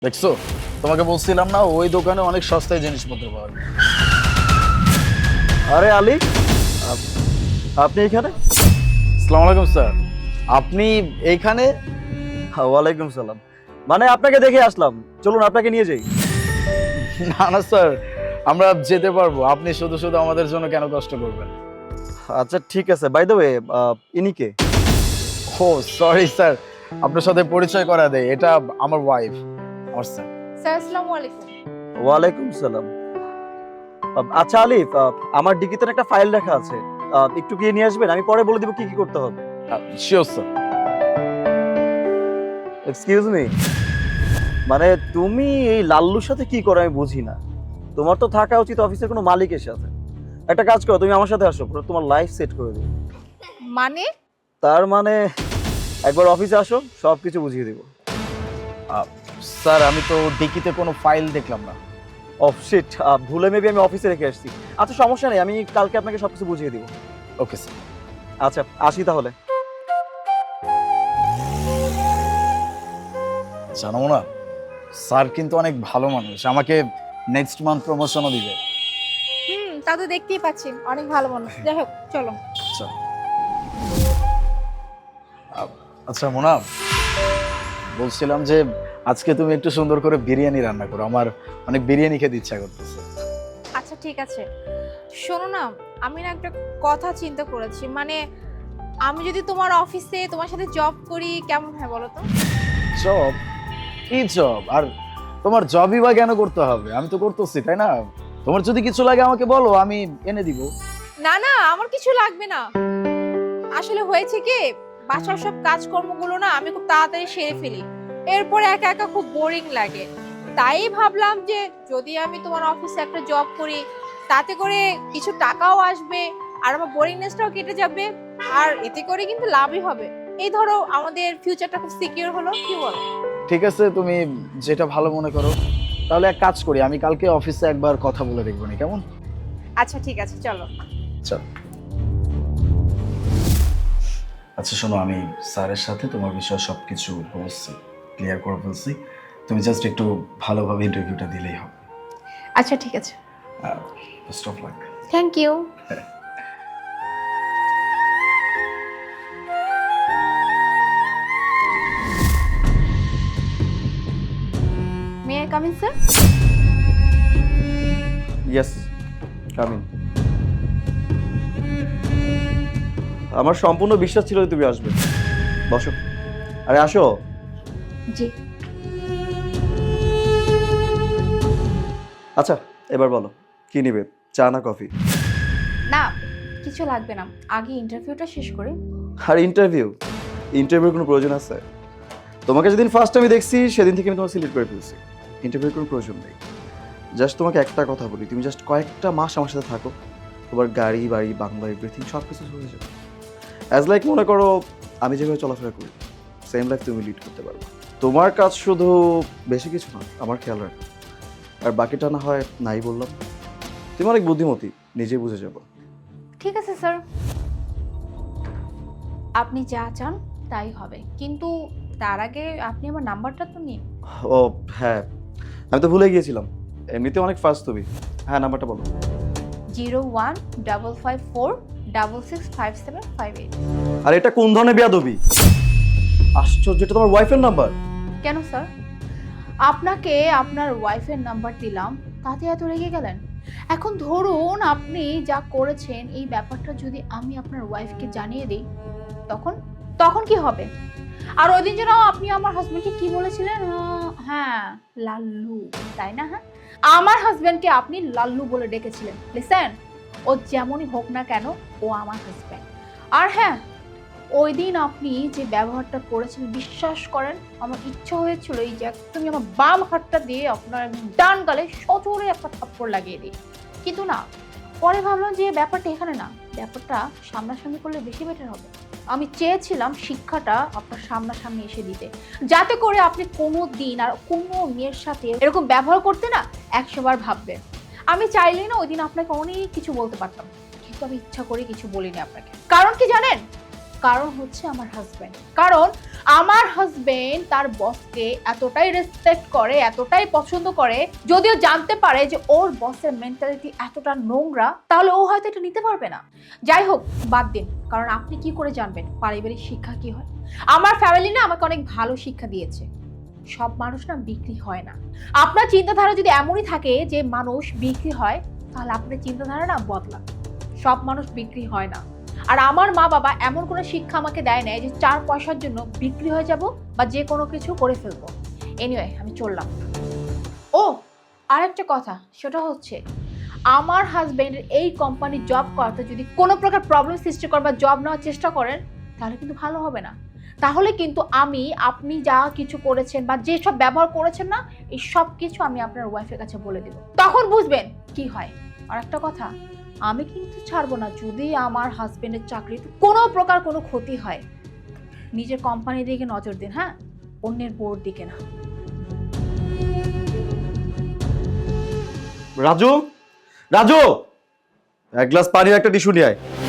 দেখছো, তোমাকে বলছিলাম না ওই দোকানে অনেক সস্তায় জিনিসপত্র পাওয়া যায়। আরে আলী, আপনি এখানে? আসসালামু আলাইকুম স্যার, আপনি এইখানে? ওয়ালাইকুম সালাম। মানে আপনাকে দেখে আসলাম, চলুন আপনাকে নিয়ে যাই। না না স্যার, আমরা যেতে পারবো, আপনি শুধু শুধু আমাদের জন্য কেন কষ্ট করবেন? আচ্ছা ঠিক আছে, বাই দ্য ওয়ে ইনি কে? ও সরি স্যার, আপনার সাথে পরিচয় করা দেয়, এটা আমার ওয়াইফ। আমার স্যার। স্যার আসসালামু আলাইকুম। ওয়ালাইকুম সালাম। আচ্ছা আলিফ, আমার ডিকিতে একটা ফাইল রাখা আছে, একটু গিয়ে নিয়ে আসবেন, আমি পরে বলে দিব কি কি করতে হবে। Sure sir. এক্সকিউজ মি, মানে তুমি এই লাল্লুর সাথে কি করো আমি বুঝি না। তোমার তো থাকা উচিত অফিসের কোনো মালিকের সাথে। একটা কাজ করো, তুমি আমার সাথে আসো, পুরো তোমার লাইফ সেট করে দেবো। মানে তার মানে একবার অফিসে আসো, সবকিছু বুঝিয়ে দিব। স্যার আমি তো ডিকিতে কোনো ফাইল দেখলাম না। অফ শিট, ভুলে মেবি আমি অফিসে রেখে আসছি। আচ্ছা সমস্যা নেই, আমি কালকে আপনাকে সবকিছু বুঝিয়ে দিব। Okay sir. আচ্ছা আসি তাহলে। জানো না, স্যার কিন্তু অনেক ভালো মানুষ, আমাকে নেক্সট মান্থ প্রমোশনও দিবে। তা তো দেখতেই পাচ্ছি অনেক ভালো মানুষ। যাই হোক চলো। আচ্ছা আচ্ছা মোনা, বলছিলাম যে আজকে তুমি একটু সুন্দর করে বিরিয়ানি রান্না করো, আমার অনেক বিরিয়ানি খেতে ইচ্ছা করতেছে। আচ্ছা ঠিক আছে, শোনো না, আমি না একটা কথা চিন্তা করেছি, মানে আমি যদি তোমার অফিসে তোমার সাথে জব করি কেমন হয় বলো তো? জব? কি জব? আর তোমার জবই বা কেন করতে হবে? আমি তো করতেছি, তাই না? তোমার যদি কিছু লাগে আমাকে বলো, আমি এনে দিব। না না, আমার কিছু লাগবে না। আসলে হয়েছে কি, বাসার সব কাজকর্মগুলো না আমি খুব তাড়াতাড়ি সেরে ফেলি, এরপরে একা একা খুব বোরিং লাগে। তাই ভাবলাম যে যদি আমি তোমার অফিসে একটা জব করি, তাতে করে কিছু টাকাও আসবে আর আমার বোরিংনেসটাও কেটে যাবে, আর এতে করে কিন্তু লাভই হবে। এই ধরো আমাদের ফিউচারটা খুব সিকিউর হলো, কি বলো? ঠিক আছে, তুমি যেটা ভালো মনে করো। তাহলে এক কাজ করি, আমি কালকে অফিসে একবার কথা বলে দেখবো নি, কেমন? আচ্ছা ঠিক আছে, চলো। চল। আচ্ছা শোনো, আমি স্যারের সাথে তোমার বিষয়ে সবকিছু বলছি, ক্লিয়ার করে ফেলছি। তুমি জাস্ট একটু ভালোভাবে ইন্টারভিউটা দিলেই হবে। আচ্ছা ঠিক আছে, best of luck. Thank you. May I come in sir? Yes, coming. আমার সম্পূর্ণ বিশ্বাস ছিল যে তুমি আসবে। বসো। আরে আসো। জি। আচ্ছা এবার বলো, কি নিবে, চা না কফি? না, কিছু লাগবে না, আগে ইন্টারভিউটা শেষ করে। আর ইন্টারভিউর কোনো প্রয়োজন আছে? তোমাকে যেদিন ফার্স্ট আমি দেখছি সেদিন থেকে আমি তোমাকে সিলেক্ট করে ফেলছি। ইন্টারভিউর কোনো প্রয়োজন নেই। জাস্ট তোমাকে একটা কথা বলি, তুমি জাস্ট কয়েকটা মাস আমার সাথে থাকো, তোমার গাড়ি বাড়ি বাংলা এভরিথিং সব কিছু হয়ে যাবে। অ্যাজ লাইক মনে করো আমি যেভাবে চলাফেরা করি সেম লাইফ তুমি লিড করতে পারবে। তোমার কাজ শুধু বেশি কিছু না, আমার খেয়াল রাখো, আর বাকিটা না হয় নাই বললাম। তুমি অনেক বুদ্ধিমতী, নিজেই বুঝে যাবো। ঠিক আছে স্যার, আপনি যা চান তাই হবে, কিন্তু তার আগে আপনি আমার নাম্বারটা তো নিন। ও হ্যাঁ, আমি তো ভুলে গিয়েছিলাম, এমনিতে অনেক ফাস্ট তুমি। হ্যাঁ নাম্বারটা বলো। 01554665758। আর এটা কোন ধরনের বেয়াদবি? আশ্চর্য, এটা তোমার ওয়াইফের নাম্বার? কেন স্যার, আপনাকে আপনার ওয়াইফের নাম্বার দিলাম তাতে এত রেগে গেলেন? এখন ধরুন আপনি যা করেছেন এই ব্যাপারটা যদি আমি আপনার ওয়াইফকে জানিয়ে দিই, তখন তখন কি হবে? আর ওই দিন যেন আপনি আমার হাজবেন্ডকে কি বলেছিলেন? হ্যাঁ, লাল্লু, তাই না? হ্যাঁ, আমার হাজবেন্ডকে আপনি লাল্লু বলে ডেকেছিলেন। লিসেন, ও যেমনই হোক না কেন, ও আমার হাজবেন্ড। আর হ্যাঁ, ওই দিন আপনি যে ব্যবহারটা করেছেন, বিশ্বাস করেন আমার ইচ্ছা হয়েছিল এই যে তুমি আমার বাম হাতটা দিয়ে আপনার ডান গালে সজোরে একটা থাপ্পড় লাগিয়ে দিই, কিন্তু না, পরে ভাবলাম যে ব্যাপারটা এখানে না, ব্যাপারটা সামনাসামনি করলে বেশি বেটার হবে। আমি চেয়েছিলাম শিক্ষাটা আপনার সামনাসামনি এসে দিতে, যাতে করে আপনি কোনো দিন আর কোনো মেয়ের সাথে এরকম ব্যবহার করতে না 100 বার ভাববেন। আমি চাইলেই না ওই দিন আপনাকে অনেক কিছু বলতে পারতাম, কিন্তু আমি ইচ্ছা করে কিছু বলিনি আপনাকে। কারণ কি জানেন? কারণ হচ্ছে আমার হাজবেন্ড। কারণ আমার হাজবেন্ড তার বসকে এতটাই রেসপেক্ট করে, এতটাই পছন্দ করে, যদিও জানতে পারে যে ওর বসের মেন্টালিটি এতটা নোংরা, তাহলে ও হয়তো এটা নিতে পারবে না। যাই হোক, বাদ দিন, কারণ আপনি কি করে জানবেন পারিবারিক শিক্ষা কি হয়? আমার ফ্যামিলি না আমাকে অনেক ভালো শিক্ষা দিয়েছে। সব মানুষ না বিক্রি হয় না। আপনার চিন্তাধারা যদি এমনই থাকে যে মানুষ বিক্রি হয়, তাহলে আপনার চিন্তাধারা না বদলা। সব মানুষ বিক্রি হয় না। আর আমার মা বাবা এমন কোনো শিক্ষা আমাকে দেয় নাই যে 4 পয়সার জন্য বিক্রি হয়ে যাব বা যে কোনো কিছু করে ফেলবো। এনিওয়ে, আমি চললাম। ও, আরেকটা কথা, সেটা হচ্ছে আমার হাজবেন্ডের এই কোম্পানি জব করতে যদি কোনো প্রকার প্রবলেম সৃষ্টি করে বা জব নেওয়ার চেষ্টা করেন, তাহলে কিন্তু ভালো হবে না। তাহলে কিন্তু আপনি যা কিছু করেছেন বা যেসব ব্যবহার করেছেন না, এই সব কিছু আমি আপনার ওয়াইফের কাছে বলে দেব। তখন বুঝবেন কি হয়। আর একটা কথা, আমি কিন্তু ছাড়বো না যদি আমার হাজবেন্ডের চাকরিতে কোনো প্রকার কোনো ক্ষতি হয়। নিজের কোম্পানির দিকে নজর দিন, হ্যাঁ, অন্যের বোর্ড দিকে না। রাজু, রাজু, এক গ্লাস পানি আর একটা টিস্যু নিয়ে আয়।